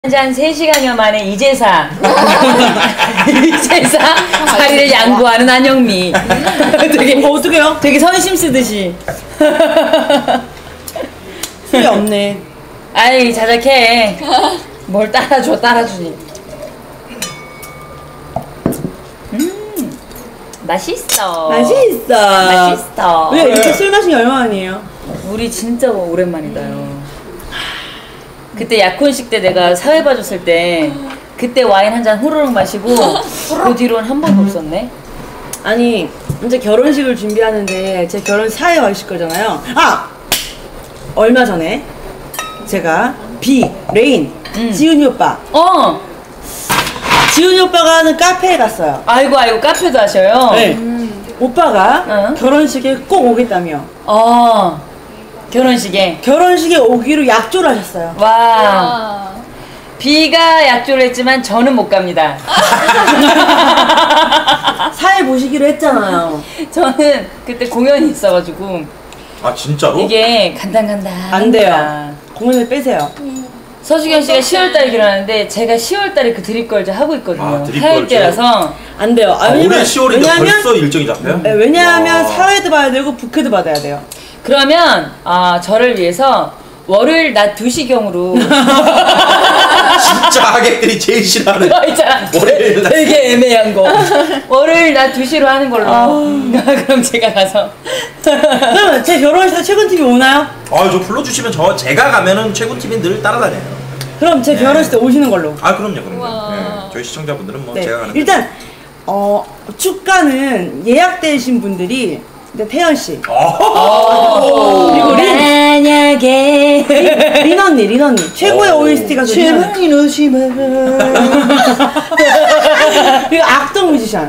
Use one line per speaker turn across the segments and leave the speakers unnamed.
한 3시간여 만에 이제사 자리를 양보하는 안영미. 되게
어떡해요?
되게 선심 쓰듯이.
술이 없네.
아이 자작해. 뭘 따라주니. 맛있어.
맛있어. 우리가 이렇게 술 마신 게 얼마만이에요?
우리 진짜 오랜만이다요. 그때 약혼식 때 내가 사회 봐줬을 때 그때 와인 한 잔 후루룩 마시고 그 뒤로는 한 번도 없었네.
아니 이제 결혼식을 준비하는데 제 결혼식 사회 와 있을 거잖아요. 얼마 전에 제가 레인 지훈이 오빠 지훈이 오빠가 하는 카페에 갔어요.
아이고 카페도 하셔요?
네. 오빠가 결혼식에 꼭 오겠다며. 결혼식에 오기로 약조를 하셨어요.
와. B가 약조를 했지만 저는 못 갑니다.
사회 보시기로 했잖아요.
저는 그때 공연이 있어가지고.
아 진짜로?
이게 간당간당
안 돼요. 공연을 빼세요.
서주경 씨가 10월달에 결혼하는데 제가 10월달에 그 드립걸즈 하고 있거든요. 하일때라서
안 돼요.
올해 10월인데 벌써 일정이 잡혀요?
네, 왜냐하면 사회도 봐야 되고 부케도 받아야 돼요.
그러면 저를 위해서 월요일 낮 2시경으로
진짜 하객들이 제일 싫어하는
있잖아.
월요일 낮
되게 애매한 거. 월요일 낮 2시로 하는 걸로. 그럼 제가 가서.
그러면 제 결혼식 때 최근 TV 오나요?
저 불러주시면 제가 가면은 최군 팀이 늘 따라다녀요.
그럼 제 결혼식 때 오시는 걸로.
그럼요. 네. 저희 시청자분들은 뭐 제가 가는
일단 축가는 예약되신 분들이 태연 씨. 그리고
만약에
린 언니 최고의 OST가
제발 이러지마.
그리고 악동 뮤지션.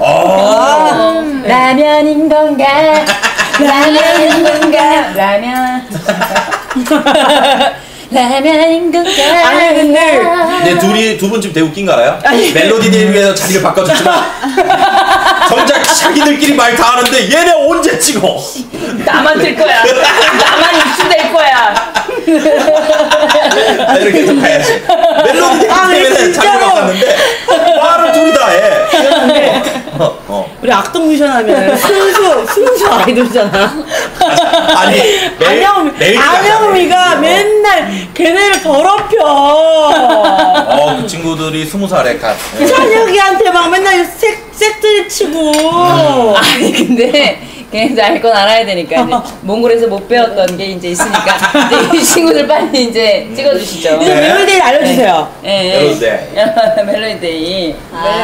라면인 건가? 라면. 라면인 건가?
아니
근데 두 분 지금 되게 웃긴 거 알아요? 멜로디데이를 위해서 자리를 바꿔줬지만 정작 자기들끼리 말 다 하는데 얘네 언제 찍어?
나만 될 거야. 나만 입수될 거야.
이렇게 계속 가야지. 멜로디데이 때문에 자리를 바꿨는데 말을 둘이 다 해.
우리 악동 뮤지션 하면 순수 아이돌이잖아.
아니
안영미가 맨날 걔네를 더럽혀.
그 친구들이 20살에
그
찬혁이한테 막 맨날 색들 치고.
아니 근데 걔네도 알 건 알아야 되니까 이제 몽골에서 못 배웠던 게 이제 있으니까 이제 이 친구들 빨리 이제 찍어주시죠.
이제 멜로디데이 알려주세요.
멜로디데이.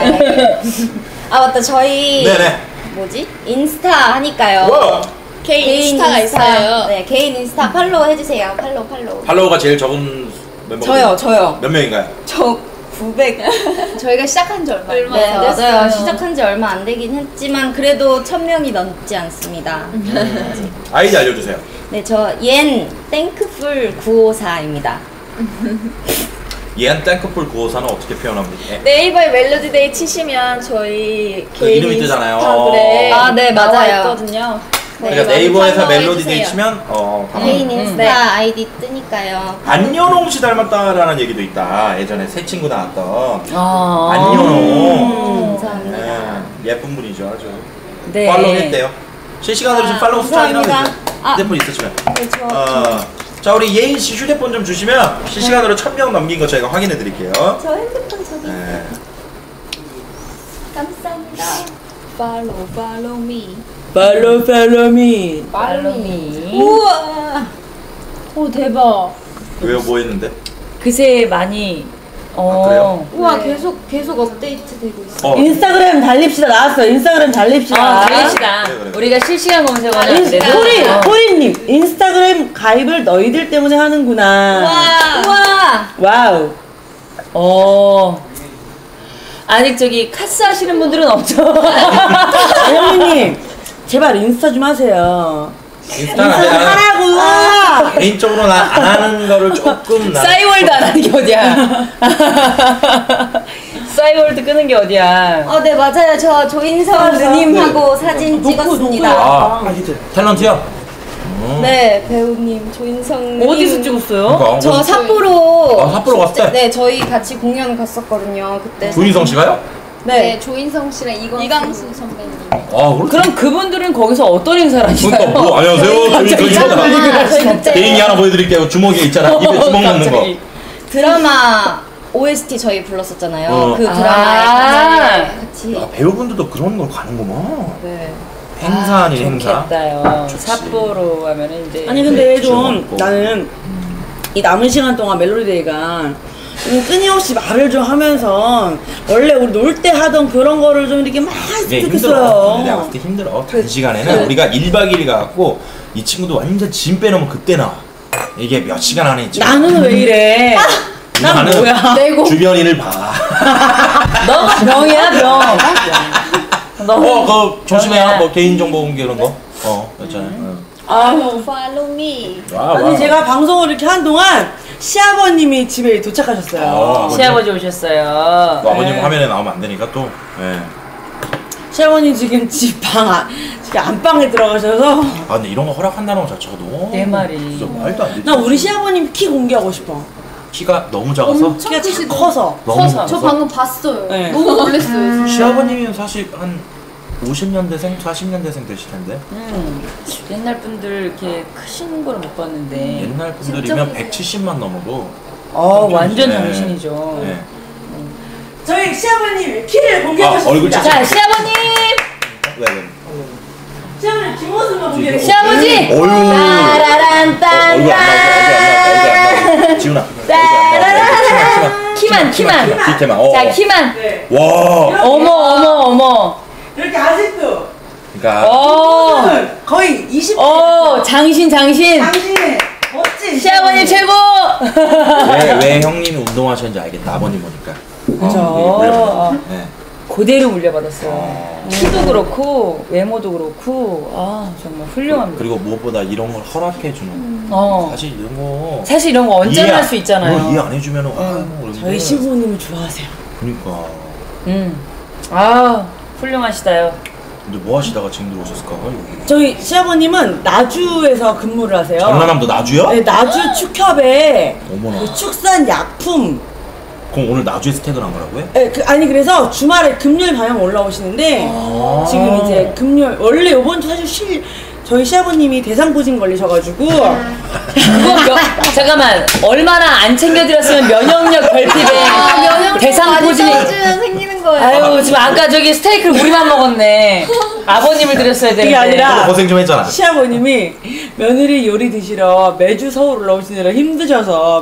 맞다. 저희 인스타 하니까요.
개인 인스타가 있어요.
네, 개인 인스타 팔로우 해주세요.
팔로워가 제일 적은 멤버.
저요.
몇 명인가요?
저 900.
저희가 시작한 지 얼마
안 됐어요. 맞아요. 시작한 지 얼마 안 되긴 했지만 그래도 1000명이 넘지 않습니다.
아이디 알려주세요.
네, 저 땡크풀 954입니다.
땡크풀 954는 어떻게 표현합니까?
네이버에 멜로디데이 치시면 저희 개인
이름이 뜨잖아요.
인스타그램
네, 맞아요.
있거든요.
그러니까 네이버에서 멜로디데이 치면
개인 인스타 아이디 뜨니까요.
안연홍 씨 닮았다라는 얘기도 있다. 예전에 새 친구 나왔던
안연홍. 감사합니다.
예쁜 분이죠, 아주.
네.
팔로우 했대요. 실시간으로 지금 팔로우 숫자 확인하면 휴대폰 있으시면. 자, 우리 예인 씨 휴대폰 좀 주시면 실시간으로 1000명 넘긴 거 저희가 확인해 드릴게요.
저 핸드폰 저기 있어요. 감사합니다.
Follow me.
Follow me.
우와. 오 대박.
왜요? 뭐 했는데?
그새 많이
그래요?
우와, 계속 업데이트 되고 있어요.
인스타그램 달립시다 나왔어요. 인스타그램 달립시다.
달립시다.
그래.
우리가 실시간 검색어는
호리님 인스타그램 가입을 너희들 때문에 하는구나. 와우.
아직 저기 카스 하시는 분들은 없죠.
안영미님 제발 인스타 좀 하세요.
인스타는
하라고.
개인적으로 안 하는 거를 조금
싸이월드 안 하는 게 어디야. 싸이월드 끄는 게 어디야.
네, 맞아요. 저 조인성 누님하고 사진 찍었습니다.
탤런트요?
네, 배우님 조인성님.
어디서 찍었어요?
그러니까,
저 삿포로.
아, 삿포로 갔을 때?
네, 저희 같이 공연 갔었거든요. 그때.
조인성 씨가요?
네, 조인성 씨랑 이광수 선배님.
아, 그렇지.
그럼 그분들은 거기서 어떤 행사를 하시나요?
그러니까 뭐 안녕하세요. 조인성입니다.
저희 그때
개인기 하나 보여드릴게요. 주먹에 있잖아. 입에 주먹 넣는 거.
갑자기.
드라마 OST 저희 불렀었잖아요.
어.
그 드라마에
아.
같이.
아, 배우분들도 그런 걸 가는구나.
네.
행사 아닌 행사.
좋겠다요.
좋지.
삿포로 하면은 이제
아니 근데 좀
즐겁고.
나는 이 남은 시간 동안 멜로디데이가 좀 끊임없이 말을 좀 하면서 원래 우리 놀 때 하던 그런 거를 좀 이렇게 막
이게
했으면
힘들어.
좋겠어요.
내가 봤을 때 힘들어. 단시간에는 우리가 1박 2일 가갖고 이 친구도 완전 짐 빼놓으면 그때 나와. 이게 몇 시간 안에 있지.
나는 왜 이래? 난
나는
뭐야?
내고.
주변인을 봐.
너가 병이야 병.
그거 조심해요. 뭐 개인정보 공개 이런 거. 있잖아요.
Follow me.
아니 제가 방송을 이렇게 한 동안 시아버님이 집에 도착하셨어요.
시아버지 오셨어요.
뭐 아버님
네.
화면에 나오면 안 되니까 또. 네.
시아버님 지금 지금 안방에 들어가셔서
아 근데 이런 거 허락한다는 거 자체가 너무
내 말이.
진짜 말도 안 되지.
나 우리 시아버님 키 공개하고 싶어.
키가 너무 작아서
키가 참 커서.
너무
커서.
저 방금 봤어요.
네.
너무 놀랐어요.
시아버님은 사실 한 50년대생, 40년대생 되실 텐데
옛날 분들 이렇게 크신 걸 못 봤는데.
옛날 분들이면 170만 넘어도
완전
네.
당신이죠.
네.
저희 시아버님 키를 공개하고
아, 얼굴
싶습니다.
자 시아버님,
왜?
시아버님 뒷모습만 공개해.
시아버지.
어휴.
따라란
얼굴 안 나오고 얼굴 안 나오고 지훈아.
키만.
뒤태만.
자 키만.
네.
와.
어머.
이렇게 아직도
그러니까
거의 20.
장신.
당신의 멋진
시아버님 최고.
왜 형님이 운동하셨는지 알겠다. 아버님 보니까.
그죠.
네.
그대로 물려받았어요. 키도 그렇고 외모도 그렇고 정말 훌륭합니다.
그리고 무엇보다 이런 걸 허락해 주는. 사실 이런 거.
사실 이런 거 언제나 할 수 있잖아요.
이해 안 해주면은
저희 시부님을 좋아하세요.
그러니까.
훌륭하시다요.
근데 뭐 하시다가 지금 들어오셨을까? 여기.
저희 시아버님은 나주에서 근무를 하세요.
전라남도 나주요?
네, 나주 축협에
어머나.
그 축산 약품.
그럼 오늘 나주에서 퇴근한 거라고요?
네, 아니 그래서 주말에 금요일 밤에 올라오시는데 지금 이제 금요일 원래 이번 주 사실 저희 시아버님이 대상포진 걸리셔가지고
잠깐만 얼마나 안 챙겨드렸으면 면역력 결핍에 대상포진이.
떨어지면 생기는 거예요.
아유 지금 아까 저기 스테이크를 우리만 먹었네. 아버님을 드렸어야 되는데.
그게 아니라
고생 좀 했잖아.
시아버님이 며느리 요리 드시러 매주 서울 올라오시느라 힘드셔서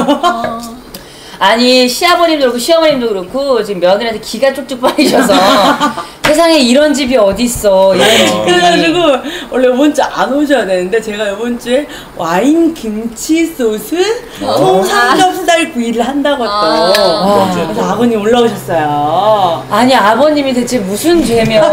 아니 시아버님도 그렇고 시어머님도 그렇고 지금 며느리한테 기가 쪽쪽 빨리셔서 세상에 이런 집이 어딨어. 이런 집이.
그래가지고 원래 이번 주 안 오셔야 되는데 제가 이번 주에 와인 김치 소스 통삼겹살 구이를 한다고 또 그래서 아버님 올라오셨어요.
아니 아버님이 대체 무슨 죄며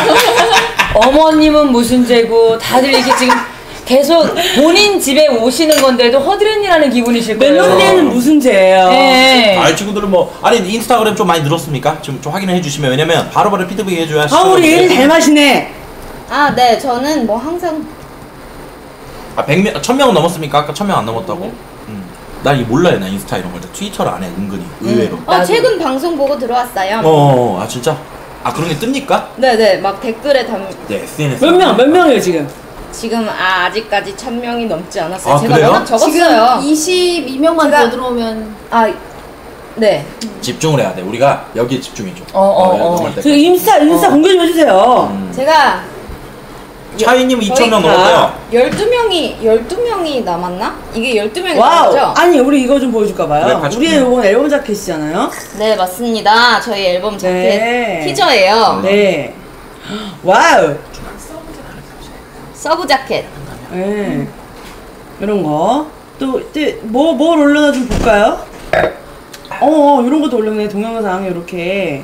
어머님은 무슨 죄고 다들 이렇게 지금 계속 본인 집에 오시는 건데도 허드렛이라는 기분이실 거예요.
멜로디는 무슨 죄예요?
네.
아, 친구들은 뭐 아니 인스타그램 좀 많이 늘었습니까? 지금 좀 확인해 주시면 왜냐면 바로바로 피드백 해줘야.
우리 얘는 잘 마시네.
네, 저는 뭐 항상
100명, 1000명은 넘었습니까? 아까 1000명 안 넘었다고? 난 이게 몰라요. 나 인스타 이런 걸 트위터를 안 해. 은근히 의외로.
최근 방송 보고 들어왔어요.
아 진짜? 그런 게 뜹니까?
네네, 막 댓글에
네, SNS.
몇 명이에요 지금?
지금 아직까지 1000명이 넘지 않았어요. 제가
그래요?
워낙 적었어요.
22명만 더 들어오면
네.
집중을 해야 돼. 우리가 여기에 집중해줘. 넘을
저
때까지.
인스타 공개 좀 해주세요.
제가
차이님 2000명 넘었대요.
12명이 남았나? 이게 12명이
와우.
남았죠?
아니 우리 이거 좀 보여줄까봐요.
그래, 같이
우리의
보면.
이건 앨범 자켓이잖아요.
네, 맞습니다. 저희 앨범 자켓
네.
티저예요.
네. 와우.
서브 자켓.
네. 이런 거. 뭘 올려나 좀 볼까요? 이런 것도 올렸네. 동영상 이렇게.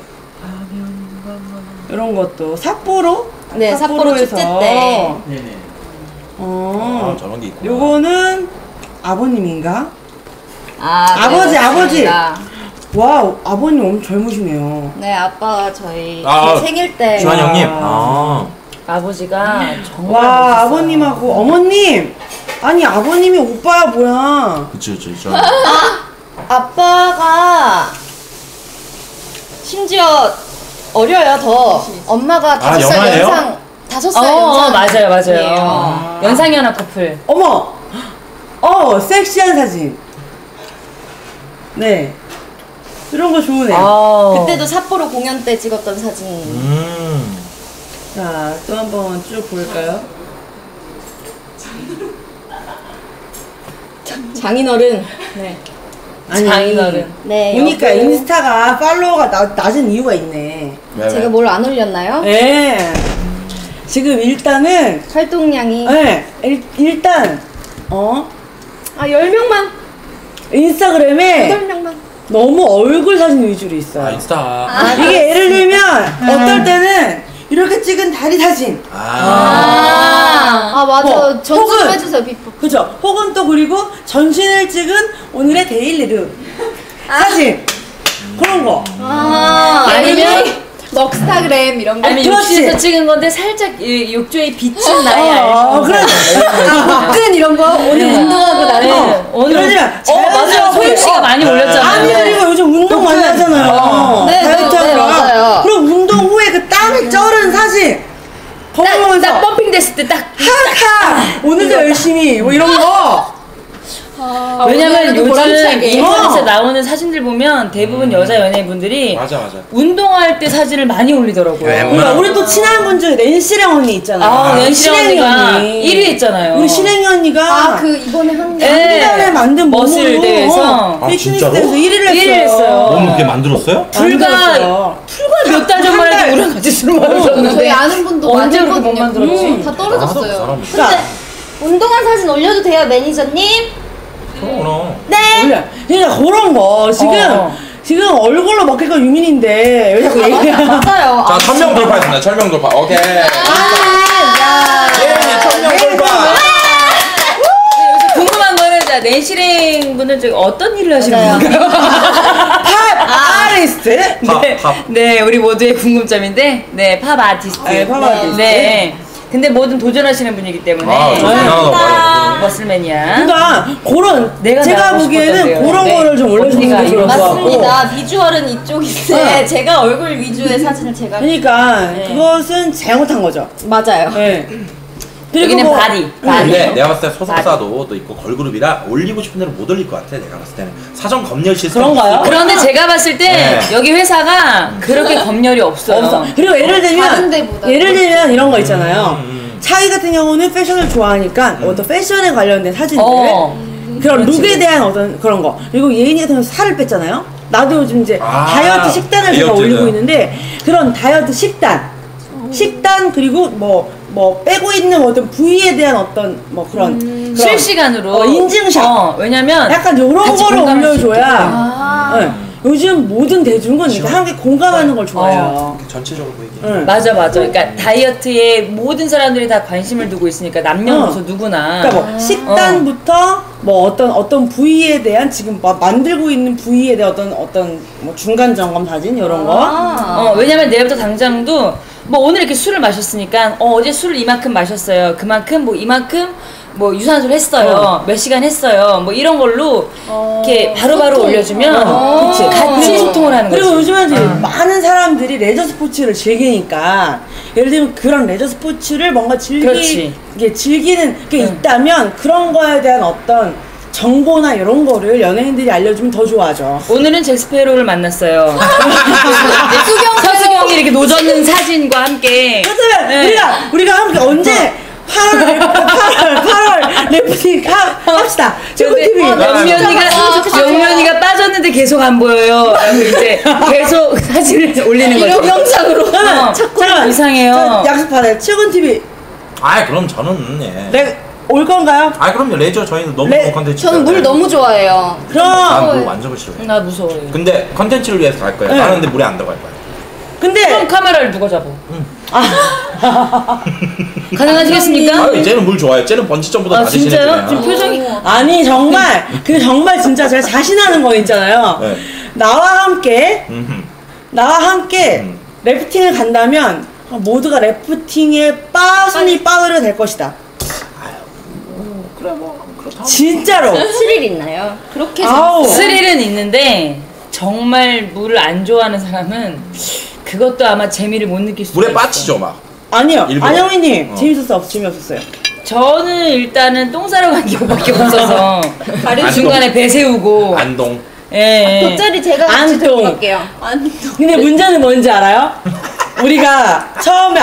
이런 것도 삿포로?
네, 삿포로 축제 때.
네네. 저런 게 있구나.
요거는 아버님인가?
네,
아버지.
맞습니다.
와우, 아버님 엄청 젊으시네요.
네, 아빠가 저희
아,
제 생일 때.
주한 형님.
아버지가 정말
와
멋있어요.
아버님하고 어머님 아니 아버님이 오빠야 뭐야
그쵸.
아빠가 심지어 어려요 더. 엄마가 5살
영화예요?
연상 5살 연상.
맞아요. 연상연하 커플.
어머 섹시한 사진 네 이런 거 좋으네요
그때도 삿포로 공연 때 찍었던 사진.
자 또 한번 쭉 볼까요
장인어른. 네.
아니
장인어른.
네.
보니까
여보.
인스타가 팔로워가 낮은 이유가 있네
왜?
제가 뭘 안 올렸나요?
네 지금 일단은
활동량이
네 일단
10명만.
인스타그램에
8명만.
너무 얼굴 사진 위주로 있어요
인스타.
이게 예를 들면 어떨 때는 이렇게 찍은 다리 사진
맞아.
뭐,
전 좀
혹은-
해주세요 비포.
그죠? 혹은 또 그리고 전신을 찍은 오늘의 데일리룩 사진 그런 거
아니면 넉스타그램 이런 거.
아니면
그렇지.
욕실에서 찍은 건데 살짝 이 욕조에 비친 나의 알콩.
그래.
복근 이런 거 오늘 운동하고 나서.
오늘
그러지만
맞아요. 소유 씨가 많이 올렸잖아요.
아니 그리고 요즘 운동 많이 하잖아요
네,
다이어트
네,
하느라.
맞아요.
그럼 운동 후에 그 땀이 쩔은 사진 거울
딱
보면서
펌핑 됐을 때 딱.
하하 오늘도 열심히 뭐 이런 거
왜냐면
오늘도
요즘
보람차게.
인터넷에 나오는 사진들 보면 대부분 여자 연예인분들이
맞아.
운동할 때 사진을 많이 올리더라고요.
그러니까 우리 또 친한 분 중에 낸시랑 언니 있잖아
연실 언니가 1위 했잖아요.
우리 실행이 언니가
그 이번에 한 게.
한달에 만든
머슬
몸으로
대회에서
아,
피트니스
진짜로?
대회에서 1위를 했어요.
1위를 했어요.
너무 그렇게 만들었어요?
불과 몇 달 전만
한 달.
해도 우리랑 같이 술 마셨는데
저희 아는 분도
언제
많이
그렇게 못
했거든요.
만들었지?
다
그
떨어졌어요.
사람.
자,
운동한 사진 올려도 돼요 매니저님?
그럼.
원래 그러니까 그런 거 지금 얼굴로 먹힐 건 유민인데 왜 자꾸 얘기해?
맞아요.
자, 1000명 돌파했습니다. 1000명 돌파. 오케이. 예은이 1000명 돌파.
궁금한 거는 자 낸시랭 분은 저기 어떤 일을 하시는 분인가요?
팝 아리스트?
팝.
네, 우리 모두의 궁금점인데, 네, 팝 아티스트.
네, 팝 아티스트.
네. 근데 뭐든 도전하시는 분이기 때문에.
아, 대단하다 말이야.
머슬맨이야.
그러니까 그런
내가
제가
나가고
보기에는
싶었던데요.
그런
네.
거를 좀 올려주는
언니가
게 좋을 것
이런
같고
맞습니다. 비주얼은 이쪽인데 제가 얼굴 위주의 사진을 제가.
그러니까 그것은 잘못한 거죠.
맞아요.
네. 그리고
여기는
뭐-
바디.
근데 내가 봤을 때 소속사도 또 있고 걸그룹이라 올리고 싶은 대로 못 올릴 것 같아. 내가 봤을 때는 사전 검열 시스템
그런가요?
그런데 제가 봤을 때
네.
여기 회사가 그렇게 검열이 없어요.
없어. 그리고 예를
다른
들면
데보다.
이런 거 있잖아요. 차이 같은 경우는 패션을 좋아하니까 어떤 패션에 관련된 사진들 그런
그렇지.
룩에 대한 어떤 그런 거 그리고 예인이 같은 경우 살을 뺐잖아요. 나도 요즘 이제 다이어트 식단을 제가
다이어트를.
올리고 있는데 그런 다이어트 식단 그리고 뭐 빼고 있는 어떤 부위에 대한 어떤 뭐 그런
실시간으로
인증샷
왜냐면
약간 이런
같이
거를
공감할 수
올려줘야 네. 요즘 모든 대중은 이렇게 함께 공감하는 걸 좋아해요.
전체적으로 보이게.
응.
맞아. 그러니까 다이어트에 모든 사람들이 다 관심을 두고 있으니까 남녀노소 누구나.
그러니까 뭐 식단부터 뭐 어떤 부위에 대한 지금 만들고 있는 부위에 대한 어떤 뭐 중간 점검 사진 이런 거.
왜냐면 내일부터 당장도 뭐 오늘 이렇게 술을 마셨으니까 어제 술을 이만큼 마셨어요. 그만큼 뭐 이만큼 뭐 유산소를 했어요. 몇 시간 했어요. 뭐 이런 걸로 이렇게 바로바로 올려주면
그치.
같이 소통을 하는 거지.
그리고 요즘에 이제 많은 사람들이 레저 스포츠를 즐기니까 예를 들면 그런 레저 스포츠를 뭔가
그렇지.
즐기는 게 있다면 그런 거에 대한 어떤 정보나 이런 거를 연예인들이 알려주면 더 좋아하죠.
오늘은 잭스페로를 만났어요. 서수경이 이렇게 노젓는 사진과 함께.
그렇다면
네.
우리가 함께 언제 8월 래프팅 합시다. 최고
근데
TV.
영면이가 빠졌는데 계속 안 보여요. 그래서 이제 계속 사진을 올리는 거죠.
영상으로.
잠깐 이상해요.
약속 받아요. 최고 TV.
아, 그럼 저는 예.
네, 올 건가요?
아, 그럼요. 레저 저희는 너무 좋은 컨텐츠.
저는 물 너무 좋아해요.
난물 완전 싫어해.
나 무서워요.
근데 컨텐츠를 위해서 갈 거야.
네.
나는 근데 물에 안 들어갈 거야.
근데
그럼 카메라를 누가 잡아? 가능하시겠습니까?
아, 쟤는 물 좋아해. 쟤는 번지 점프도 다
진짜요?
대신해주네요.
지금 표정이
아니 정말 그 정말 진짜 제가 자신하는 거 있잖아요.
네.
나와 함께
음흠.
래프팅을 간다면 모두가 래프팅에 숨이 빠으려 될 것이다.
그래 뭐 그렇다.
진짜로.
스릴 있나요? 그렇게
아우.
스릴은 있는데 정말 물을 안 좋아하는 사람은 그것도 아마 재미를 못 느낄 수도
물에
있어.
빠지죠 막.
아니요.
일부러.
안영미님 재밌었어? 재미없었어요?
저는 일단은 똥 싸러 간 기억밖에 없어서 중간에 배 세우고
안동.
예.
돗자리 제가 같이
안동.
들고 갈게요.
근데 문제는 뭔지 알아요? 우리가 처음에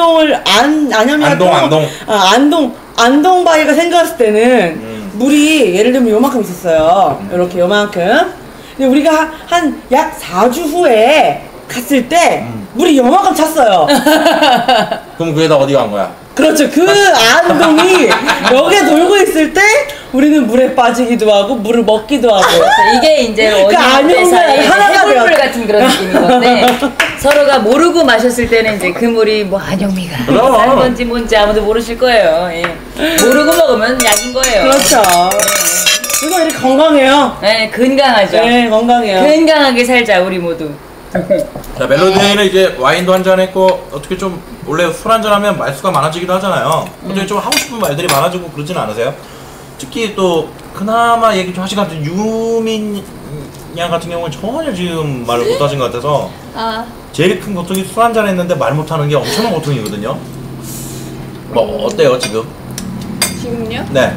안동 바위가 생겼을 때는 물이 예를 들면 요만큼 있었어요. 이렇게 요만큼. 근데 우리가 한 약 4주 후에 갔을 때 물이 요만큼 찼어요.
그럼 그게다 어디 간 거야?
그렇죠. 그 안동이 여기에 돌고 있을 때 우리는 물에 빠지기도 하고 물을 먹기도 하고.
이게 이제
그 안녕은
사이에
하나가
해물물
되었-
같은 그런 느낌인 건데 서로가 모르고 마셨을 때는 이제 그 물이 뭐 안영미가
그럼.
싼 건지 뭔지 아무도 모르실 거예요. 예. 모르고 먹으면 약인 거예요.
그렇죠. 이거 이렇게 건강해요.
네, 건강하죠.
네, 건강해요.
건강하게 살자 우리 모두.
자 멜로디는 이제 와인도 한잔 했고 어떻게 좀 원래 술 한잔 하면 말수가 많아지기도 하잖아요. 어떻게 좀 하고 싶은 말들이 많아지고 그러진 않으세요? 특히 또 그나마 얘기 좀 하신 것 같은 유민 양 같은 경우는 전혀 지금 말을 못하신 것 같아서 제일 큰 고통이 술 한잔 했는데 말 못하는 게 엄청난 고통이거든요. 뭐 어때요 지금?
지금요?
네.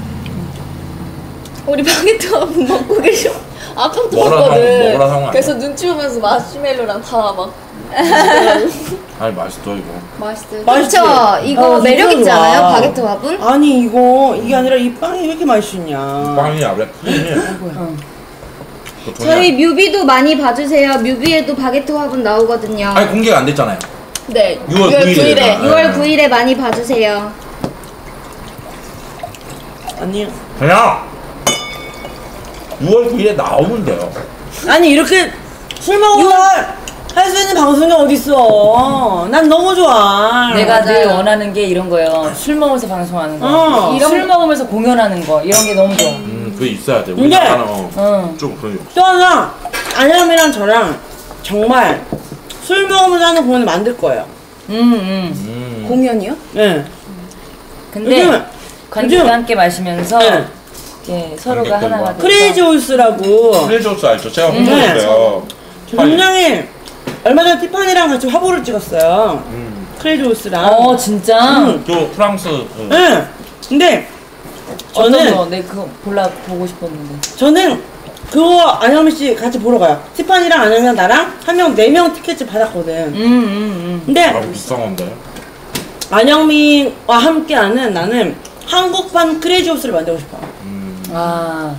우리 바게트가 먹고 계셔. 아까부터
먹으라
먹거든.
먹으라 상황
그래서 눈치 보면서 마시멜로랑 다 막.
아니 맛있어 이거.
맛있어요.
맛있지?
그렇죠. 이거 매력 있지
진짜 좋아.
않아요? 바게트 밥은?
아니 이게 아니라 이 빵이 왜 이렇게 맛있냐.
빵이야 그래.
저희 뮤비도 많이 봐주세요. 뮤비에도 바게트 화분 나오거든요.
아니 공개가 안 됐잖아요.
네.
6월 9일에.
6월 9일에 많이 봐주세요.
아니
그냥 6월 9일에 나오면 돼요.
아니 이렇게 술 먹으면 할 수 있는 방송이 어딨어. 난 너무 좋아.
내가 늘 원하는 게 이런 거예요. 술 먹으면서 방송하는 거. 술 먹으면서 공연하는 거. 이런 게 너무 좋아.
그게 있어야 돼.
근데-
우리나라는 좀 그런 게 없어.
또 하나 안영이랑 저랑 정말 술 먹으면서 하는 공연을 만들 거예요.
공연이요?
네.
근데
요즘-
관객과
요즘-
함께 마시면서
네.
이렇게 서로가
관객들과.
하나가 돼서
크레이지 홀스라고
플레저스 알죠? 제가 홍보했어요.
굉장히 얼마 전에 티파니랑 같이 화보를 찍었어요. 크레이지 홀스랑.
진짜?
또 프랑스
네. 근데
어떤
저는
거? 내 그거 보고 싶었는데.
저는 그거 안영미 씨 같이 보러 가요. 티파니랑 안영미랑 나랑 한 명 4명 티켓을 받았거든. 근데
아 비싼 건데.
안영미와 함께하는 나는 한국판 크레이지 홀스를 만들고 싶어.
아,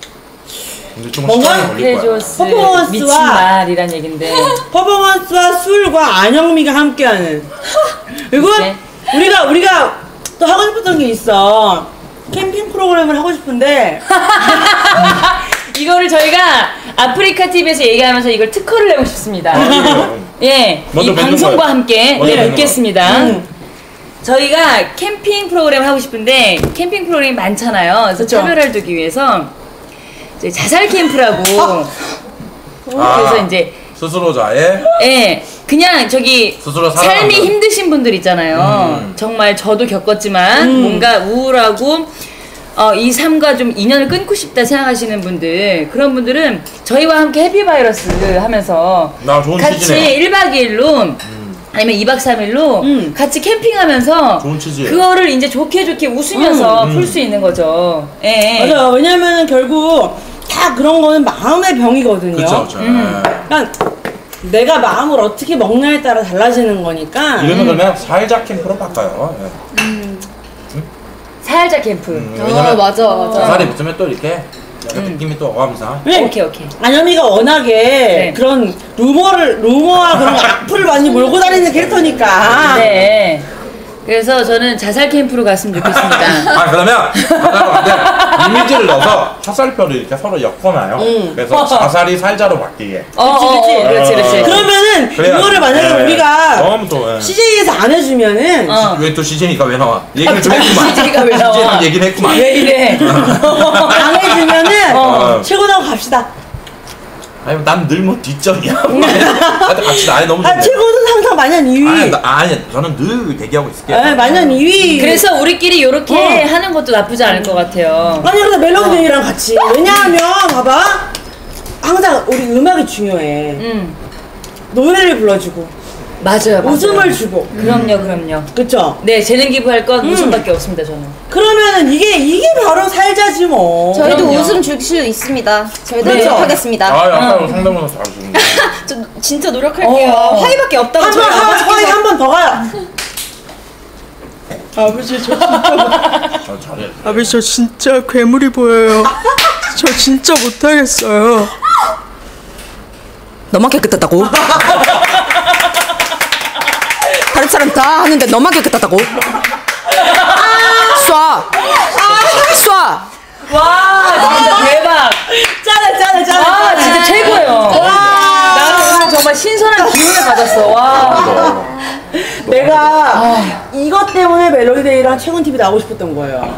근데 좀
뭔가
시간이 걸릴 거야.
크레이지호스
퍼포먼스와-
미친 날이란 얘긴데.
퍼포먼스와 술과 안영미가 함께하는. 그리고
글쎄.
우리가 또 하고 싶었던 게 있어. 캠핑 프로그램을 하고 싶은데
이거를 저희가 아프리카 TV에서 얘기하면서 이걸 특허를 내고 싶습니다. 예,
먼저
이
뵙는
방송과
거예요.
함께
먼저 뵙는
뵙겠습니다. 저희가 캠핑 프로그램 하고 싶은데 캠핑 프로그램이 많잖아요. 그래서
그쵸.
차별화를 두기 위해서 이제 자살 캠프라고 그래서 이제
스스로자의
예, 그냥 저기
스스로
삶이
살아가는.
힘드신 분들 있잖아요. 정말 저도 겪었지만 뭔가 우울하고 이 삶과 좀 인연을 끊고 싶다 생각하시는 분들, 그런 분들은 저희와 함께 해피바이러스 하면서
나 좋은
같이
취지네요.
1박 2일로 아니면 2박 3일로 같이 캠핑하면서
좋은 취지예요.
그거를 이제 좋게 웃으면서 풀 수 있는 거죠. 예.
맞아요. 왜냐면은 결국 다 그런 거는 마음의 병이거든요.
그쵸 그쵸.
그러니까 내가 마음을 어떻게 먹냐에 따라 달라지는 거니까.
이름을 그러면 살자 캠프로 바꿔요. 예.
살자 캠프.
왜냐면
맞아.
자살이 붙으면 또 이렇게 약간 느낌이 또 어감상.
네.
오케이.
안영미가 워낙에
네.
그런 루머와 그런 악플을 많이 몰고 다니는 캐릭터니까.
네. 그래서 저는 자살 캠프로 갔으면 좋겠습니다.
아 그러면 자살로 이미지를 넣어서 화살표를 이렇게 서로 엮어놔요. 그래서 자살이 살자로 바뀌게.
그렇지.
그러면은
그래야
이거를 만약에
네.
우리가
너무 또
CJ에서 안 해주면은
왜 또 CJ니까 왜 나와? 얘기를 좀 했구만.
CJ가 왜 나와?
CJ는 얘기를 했구만.
왜 이래?
안 해주면은
어.
최고라고 갑시다.
아니 난 늘 뭐 뒷전이야. 하여튼 같이 나이 너무 좋네.
최고 우승 항상 마년 2위.
아니 저는 늘 대기하고 있을게요.
네, 마년 2위.
그래서 우리끼리 이렇게 하는 것도 나쁘지 않을 것 같아요.
아니 그래서 멜로디랑 같이. 왜냐하면 봐봐. 항상 우리 음악이 중요해. 노래를 불러주고
맞아요.
웃음을 주고.
그럼요.
그쵸?
네, 재능 기부할 건 웃음밖에 없습니다, 저는.
그러면은 이게 바로 살자지 뭐.
저희도
그럼요.
웃음 줄 수 있습니다. 저희도
네.
노력하겠습니다.
아까 상담원에서 잘해주는데.
저 진짜 노력할게요. 화이밖에 없다고 저희
화이 한 번 더 가요. 아버지 저 진짜
잘해.
아버지 저 진짜 괴물이 보여요. 저 진짜 못하겠어요.
너만 깨끗하다고? 다른 사람 다 하는데 너만 깨끗하다고? 쏴!
와, 진짜 대박.
짠해.
와, 진짜 최고예요. 나는 오늘 정말 신선한 기운을 받았어. 와.
내가 이것 때문에 멜로디데이랑 최군 TV 나오고 싶었던 거예요.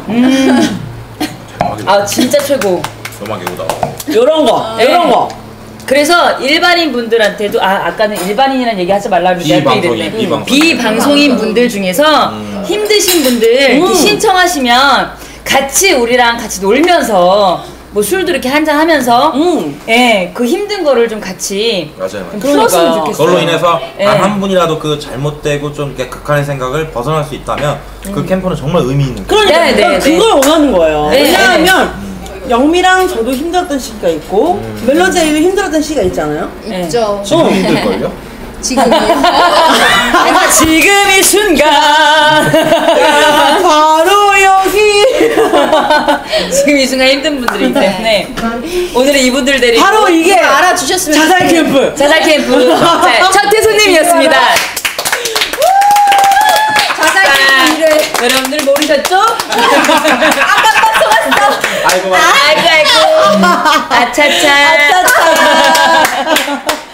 아, 진짜 최고.
너만 개구다.
요런 거.
그래서 일반인 분들한테도 아까는 일반인이라는 얘기 하지 말라고 내가 또 이랬네. 비방송인 분들 중에서 힘드신 분들 이렇게 신청하시면 같이 우리랑 같이 놀면서 뭐 술도 이렇게 한잔 하면서 예, 그 힘든 거를 좀 같이
맞아요.
좀 풀었으면 좋겠어요.
그걸로 인해서
예.
단 한 분이라도 그 잘못되고 좀 이렇게 극한의 생각을 벗어날 수 있다면 그 캠프는 정말 의미 있는 거예요.
그러니까
네,
그걸 원하는 거예요.
네,
왜냐하면 영미랑 저도 힘들었던 시기가 있고 멜로디데이도 힘들었던 시기가 있잖아요.
있죠.
지금 힘들걸요?
지금이요.
지금 이 순간
바로 여기.
지금 이 순간 힘든 분들이기 때문에 오늘은 이분들 데리고
바로 이게
알아주셨으면
자살 캠프.
자살 캠프 네, 첫 회손님이었습니다.
자살 캠프 일을
여러분들 모르셨죠?
아이고.
아이고 아차차.